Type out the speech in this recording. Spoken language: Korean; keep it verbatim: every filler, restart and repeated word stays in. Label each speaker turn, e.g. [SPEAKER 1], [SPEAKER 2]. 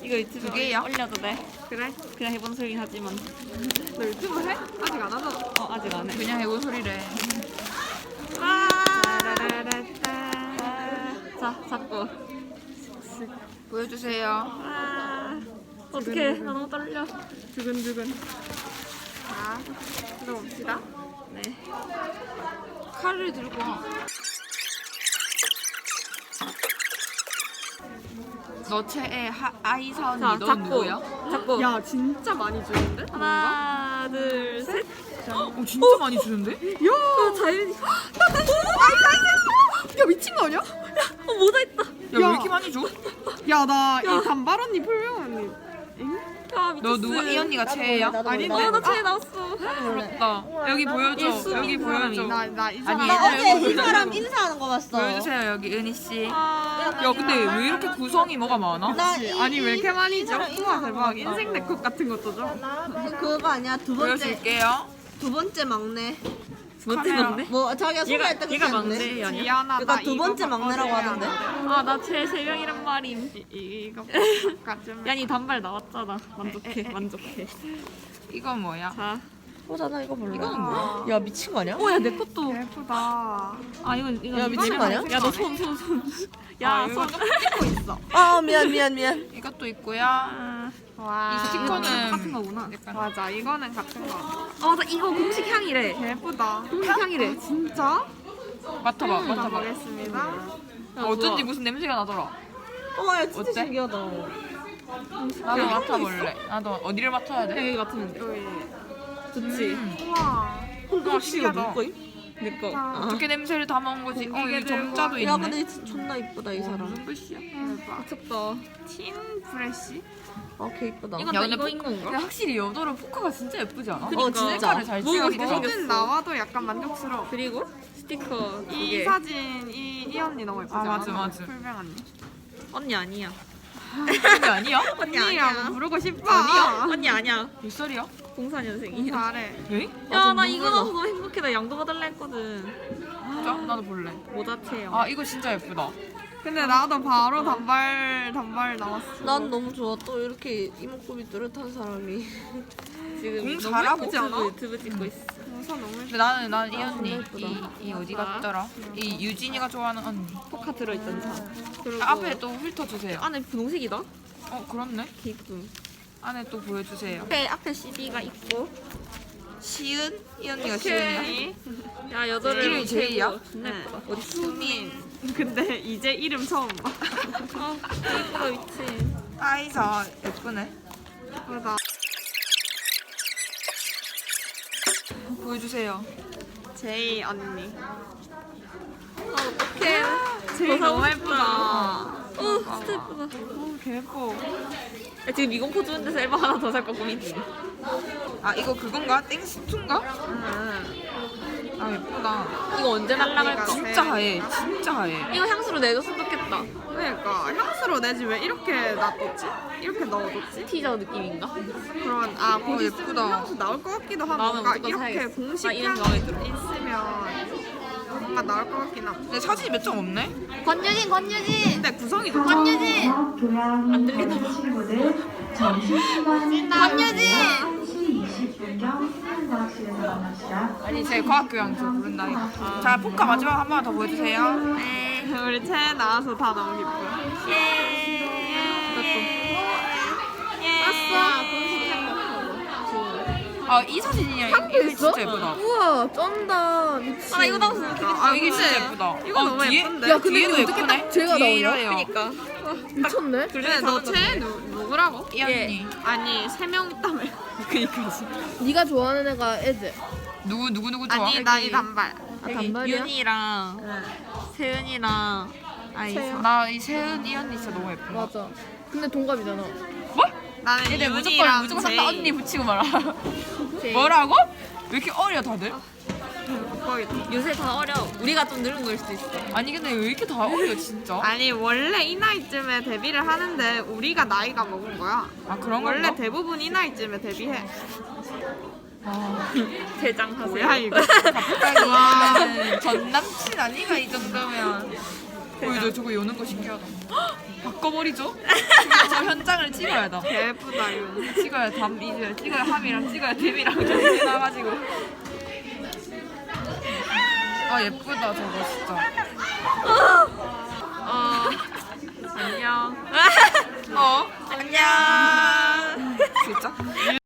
[SPEAKER 1] 이거 유튜브에
[SPEAKER 2] 두 개야?
[SPEAKER 1] 올려도 돼? 그래? 그냥 해본 소리긴 하지만.
[SPEAKER 3] 너 유튜브 해? 아직 안 하잖아.
[SPEAKER 1] 어 아직 안 해.
[SPEAKER 2] 그냥 해본 소리래.
[SPEAKER 1] 아. 자 잡고.
[SPEAKER 2] 보여주세요.
[SPEAKER 1] 아. 어떡해. 나 너무 떨려.
[SPEAKER 3] 두근두근. 자, 들어봅시다.
[SPEAKER 1] 네.
[SPEAKER 2] 칼을 들고 와. 너 최애 하, 아이선이
[SPEAKER 1] 자
[SPEAKER 2] 너
[SPEAKER 1] 잡고.
[SPEAKER 2] 누구야?
[SPEAKER 1] 잡고.
[SPEAKER 3] 야, 진짜 많이 주는데?
[SPEAKER 1] 하나 둘 셋.
[SPEAKER 2] 어 진짜 많이 주는데?
[SPEAKER 3] 야,
[SPEAKER 1] 어 자연이.
[SPEAKER 3] 야 미친 거 아니야?
[SPEAKER 1] 어 모자 있다.
[SPEAKER 2] 야 왜 이렇게 많이 줘?
[SPEAKER 3] 야, 나 이 단발 언니, 풀명 언니. 엥?
[SPEAKER 1] 야 미쳤어.
[SPEAKER 2] 너 누가 이 언니가 최애야?
[SPEAKER 3] 아닌데?
[SPEAKER 1] 어, 나 최애 나왔어.
[SPEAKER 2] 부럽다. 여기 보여줘.
[SPEAKER 1] 예수
[SPEAKER 2] 여기
[SPEAKER 1] 믿는
[SPEAKER 2] 보여줘.
[SPEAKER 3] 나, 나 이
[SPEAKER 2] 아니,
[SPEAKER 3] 사람.
[SPEAKER 2] 얘들아,
[SPEAKER 4] 어제
[SPEAKER 2] 여기
[SPEAKER 4] 이 사람
[SPEAKER 2] 보여줘.
[SPEAKER 4] 인사하는 거 봤어.
[SPEAKER 2] 보여주세요 여기 은희 씨.
[SPEAKER 3] 아,
[SPEAKER 2] 야 근데 왜 이렇게 구성이 뭐가 많아?
[SPEAKER 4] 나 이,
[SPEAKER 3] 아니, 왜 이렇게 많이 줘?
[SPEAKER 4] 사람
[SPEAKER 3] 우와, 대박.
[SPEAKER 4] 인사하는
[SPEAKER 3] 인생 내컷 같은 것도 줘.
[SPEAKER 4] 거. 그거 아니야 두 번째
[SPEAKER 2] 보여줄게요.
[SPEAKER 4] 두 번째 막내.
[SPEAKER 1] 멋지
[SPEAKER 2] 카메라.
[SPEAKER 1] 막내?
[SPEAKER 4] 뭐 자기가
[SPEAKER 1] 얘가
[SPEAKER 4] 소개할 때
[SPEAKER 1] 얘가
[SPEAKER 4] 그렇게 했는데.
[SPEAKER 1] 막내 아니야?
[SPEAKER 3] 지연아,
[SPEAKER 4] 그러니까
[SPEAKER 3] 나
[SPEAKER 4] 두
[SPEAKER 3] 이거
[SPEAKER 4] 번째 막내라고
[SPEAKER 3] 바꿔줘야
[SPEAKER 4] 하던데.
[SPEAKER 3] 돼.
[SPEAKER 1] 아 나 최애 세 명이란 말임.
[SPEAKER 3] 이, 이- 이거 바꿔주면.
[SPEAKER 1] 야니 단발 나왔잖아. 만족해 만족해.
[SPEAKER 2] 이건 뭐야?
[SPEAKER 1] 자.
[SPEAKER 4] 어, 나 이거 몰라.
[SPEAKER 2] 이거는 뭐야?
[SPEAKER 4] 야 미친 거 아니야?
[SPEAKER 1] 오야 내 것도.
[SPEAKER 3] 예쁘다.
[SPEAKER 1] 아 이건 이건
[SPEAKER 4] 야, 미친 거 아니야?
[SPEAKER 1] 야너 손 손 손.
[SPEAKER 2] 아,
[SPEAKER 1] 야
[SPEAKER 2] 이거
[SPEAKER 1] 손.
[SPEAKER 3] 찍고 있어.
[SPEAKER 4] 아 미안 미안 미안.
[SPEAKER 2] 이것도 있고요.
[SPEAKER 1] 아,
[SPEAKER 3] 와.
[SPEAKER 2] 이 스티커는
[SPEAKER 1] 같은 거구나.
[SPEAKER 2] 약간
[SPEAKER 3] 맞아, 이거는 같은 거.
[SPEAKER 1] 아 나 이거 공식 향이래.
[SPEAKER 3] 예쁘다.
[SPEAKER 1] 공식 향이래.
[SPEAKER 3] 진짜?
[SPEAKER 2] 맡아봐, 맡아봐.
[SPEAKER 3] 가보겠습니다.
[SPEAKER 1] 야,
[SPEAKER 2] 어쩐지
[SPEAKER 1] 좋아.
[SPEAKER 2] 무슨 냄새가 나더라.
[SPEAKER 4] 어야 진짜
[SPEAKER 2] 어때?
[SPEAKER 4] 신기하다.
[SPEAKER 2] 나도 맡아볼래. 나도 어디를 맡아야 돼?
[SPEAKER 1] 여기 같으면 돼.
[SPEAKER 3] 여기.
[SPEAKER 1] 좋지.
[SPEAKER 2] 음.
[SPEAKER 3] 우와.
[SPEAKER 4] 이거
[SPEAKER 3] 신기하다.
[SPEAKER 4] 누구 거임?
[SPEAKER 1] 내 거.
[SPEAKER 3] 아,
[SPEAKER 2] 어떻게 냄새를 다 먹은 거지? 어, 여기
[SPEAKER 3] 공기계들
[SPEAKER 2] 점자도 있네.
[SPEAKER 4] 야 근데 진짜 존나 이쁘다 이 사람.
[SPEAKER 2] 무슨 글씨야?
[SPEAKER 3] 대박.
[SPEAKER 1] 미쳤다.
[SPEAKER 3] 팀 프레쉬?
[SPEAKER 4] 아 개 이쁘다.
[SPEAKER 1] 이건
[SPEAKER 2] 야,
[SPEAKER 1] 다
[SPEAKER 2] 근데
[SPEAKER 1] 이거인
[SPEAKER 2] 포-
[SPEAKER 1] 건가?
[SPEAKER 2] 근데 확실히 여도로 포카가 진짜 예쁘지 않아?
[SPEAKER 4] 어 진짜.
[SPEAKER 2] 색깔을 잘
[SPEAKER 1] 뭐
[SPEAKER 2] 찍어서
[SPEAKER 1] 이렇게
[SPEAKER 3] 뭐든 나와도 약간 만족스러워.
[SPEAKER 1] 그리고 스티커 두
[SPEAKER 3] 이
[SPEAKER 1] 개.
[SPEAKER 3] 사진 이, 이 언니 너무 예쁘지
[SPEAKER 2] 아,
[SPEAKER 3] 않아?
[SPEAKER 2] 맞아, 맞아.
[SPEAKER 3] 풀명 언니.
[SPEAKER 1] 언니 아니야.
[SPEAKER 2] 언니 아니야?
[SPEAKER 3] 언니라고 부르고 싶어.
[SPEAKER 2] 아니야?
[SPEAKER 1] 언니 아니야.
[SPEAKER 2] 몇 살이야?
[SPEAKER 1] 공사년생이야.
[SPEAKER 3] 잘해.
[SPEAKER 2] 에?
[SPEAKER 1] 야 나 이거 나서 너무 행복해. 나 양도 받을라 했거든.
[SPEAKER 2] 진짜? 나도 볼래.
[SPEAKER 1] 모자 체형.
[SPEAKER 2] 아 이거 진짜 예쁘다.
[SPEAKER 3] 근데 나도 바로 단발 단발 나왔어.
[SPEAKER 4] 난 너무 좋아. 또 이렇게 이목구비 뚜렷한 사람이.
[SPEAKER 1] 지금
[SPEAKER 2] 공
[SPEAKER 1] 너무
[SPEAKER 2] 잘하고
[SPEAKER 1] 예쁘지 않아?
[SPEAKER 3] 있어.
[SPEAKER 1] 유튜브 찍고 있어.
[SPEAKER 3] 우선 너무
[SPEAKER 2] 근데 나는 난 이 언니
[SPEAKER 4] 예쁘다.
[SPEAKER 2] 이, 이 어디 갔더라? 이 유진이가 좋아하는 언니.
[SPEAKER 1] 포카 들어있던 차. 그리고
[SPEAKER 2] 앞에 또 훑어 주세요.
[SPEAKER 1] 안에 분홍색이다.
[SPEAKER 2] 어 그렇네.
[SPEAKER 1] 기쁨.
[SPEAKER 2] 안에 또 보여주세요.
[SPEAKER 1] 앞에 앞에 씨디가 있고.
[SPEAKER 2] 시은 이 언니가 시은이야.
[SPEAKER 3] 오케이.
[SPEAKER 1] 야 여자를
[SPEAKER 2] 이름이 제이야?
[SPEAKER 1] 존나 예쁘다.
[SPEAKER 3] 어디 수민. 근데 이제 이름 처음 봐.
[SPEAKER 1] 아 예쁘다 미친.
[SPEAKER 2] 아이사 예쁘네.
[SPEAKER 3] 예쁘다.
[SPEAKER 2] 보여주세요.
[SPEAKER 3] 제이 언니.
[SPEAKER 1] 아 어떡해.
[SPEAKER 3] 제이
[SPEAKER 1] 더 사고
[SPEAKER 3] 너무
[SPEAKER 1] 싶다.
[SPEAKER 3] 예쁘다.
[SPEAKER 1] 어 진짜 예쁘다.
[SPEAKER 3] 오, 개 예뻐.
[SPEAKER 1] 야, 지금 미공포 주는 데서 앨범 하나 더 살 거 고민이지.
[SPEAKER 2] 아 이거 그건가? 땡스투인가?
[SPEAKER 3] 응.
[SPEAKER 2] 아 예쁘다.
[SPEAKER 1] 이거 언제 날라갈까?
[SPEAKER 2] 진짜 하얘. 진짜 하얘.
[SPEAKER 1] 이거 향수로 내줬으면 좋겠다.
[SPEAKER 3] 그러니까 향수로 내지 왜 이렇게 놔뒀지? 이렇게 넣어뒀지?
[SPEAKER 1] 티저 느낌인가?
[SPEAKER 3] 그런 아 곧 있으면
[SPEAKER 2] 예쁘다.
[SPEAKER 3] 향수 나올 것 같기도 하고
[SPEAKER 1] 나오면
[SPEAKER 3] 뭔가
[SPEAKER 1] 무조건
[SPEAKER 3] 이렇게
[SPEAKER 1] 사야겠어.
[SPEAKER 3] 공식
[SPEAKER 1] 나 이런
[SPEAKER 3] 향
[SPEAKER 1] 마음에 들어.
[SPEAKER 3] 있으면 뭔가 나올 것 같긴 하고.
[SPEAKER 2] 근데 사진이 몇 장 없네?
[SPEAKER 1] 권유진, 권유진!
[SPEAKER 3] 근데 구성이 좋다.
[SPEAKER 1] 권유진!
[SPEAKER 5] 안 들리나 봐. 친구들 점심시간
[SPEAKER 1] 권유진!
[SPEAKER 5] 한 시 이십 분경 생명과학실에서 만납시다.
[SPEAKER 2] 아니 제 과학교양서 부른다 이거. 자 포카 마지막 한 번 더 보여주세요.
[SPEAKER 3] 네. 우리 채 나와서 다 너무 기뻐.
[SPEAKER 1] 예!
[SPEAKER 2] 아 이 사진이야. 이게 진짜 예쁘다.
[SPEAKER 4] 우와 쩐다. 미친.
[SPEAKER 1] 아, 이거 나왔으면 좋겠다.
[SPEAKER 2] 아 이게 진짜 예쁘다.
[SPEAKER 3] 이거
[SPEAKER 2] 어,
[SPEAKER 3] 너무
[SPEAKER 2] 뒤에?
[SPEAKER 3] 예쁜데?
[SPEAKER 4] 야, 근데
[SPEAKER 2] 뒤에도
[SPEAKER 4] 이거 어떻게
[SPEAKER 2] 예쁘네.
[SPEAKER 4] 딱 쟤가
[SPEAKER 2] 뒤에
[SPEAKER 4] 나오냐?
[SPEAKER 2] 이래요.
[SPEAKER 1] 그니까.
[SPEAKER 4] 미쳤네.
[SPEAKER 3] 근데 너채 누구라고?
[SPEAKER 2] 이 언니.
[SPEAKER 3] 아니 세 명 있다며.
[SPEAKER 2] 그니까지.
[SPEAKER 4] 네가 좋아하는 애가 애들.
[SPEAKER 2] 누구 누구 누구 좋아?
[SPEAKER 3] 아니 나 이 단발.
[SPEAKER 4] 아 단발이야?
[SPEAKER 1] 윤이랑 세은이랑 아이사.
[SPEAKER 2] 나이 세은 이 언니 진짜 너무 예쁘다.
[SPEAKER 4] 맞아. 근데 동갑이잖아.
[SPEAKER 2] 뭐?
[SPEAKER 3] 나는
[SPEAKER 2] 얘들 무조건
[SPEAKER 3] 윤이랑
[SPEAKER 2] 무조건
[SPEAKER 3] 제이.
[SPEAKER 2] 다 언니 붙이고 말아.
[SPEAKER 1] 제이.
[SPEAKER 2] 뭐라고? 왜 이렇게 어려 다들?
[SPEAKER 3] 거의.
[SPEAKER 1] 요새 다 어려. 우리가 좀 늙은 걸 수도 있어.
[SPEAKER 2] 아니 근데 왜 이렇게 다 어려 진짜?
[SPEAKER 3] 아니 원래 이 나이쯤에 데뷔를 하는데 우리가 나이가 먹은 거야.
[SPEAKER 2] 아 그런
[SPEAKER 3] 원래
[SPEAKER 2] 건가?
[SPEAKER 3] 대부분 이 나이쯤에 데뷔해.
[SPEAKER 2] 아,
[SPEAKER 1] 대장하세요.
[SPEAKER 3] 뭐야 이거?
[SPEAKER 2] 갑자기 전 남친 아니가 이 정도면.
[SPEAKER 1] 대장
[SPEAKER 2] 그죠? 저거 여는 거 신기하다. 바꿔버리죠? 지금 저 현장을 찍어야 돼.
[SPEAKER 3] 예쁘다 이거.
[SPEAKER 2] 찍어야 담 이제 찍어야 함이랑 찍어야 댐이랑 정리 나가지고. 아 예쁘다 저거 진짜.
[SPEAKER 1] 어 안녕.
[SPEAKER 2] 어
[SPEAKER 1] 안녕.
[SPEAKER 2] 진짜?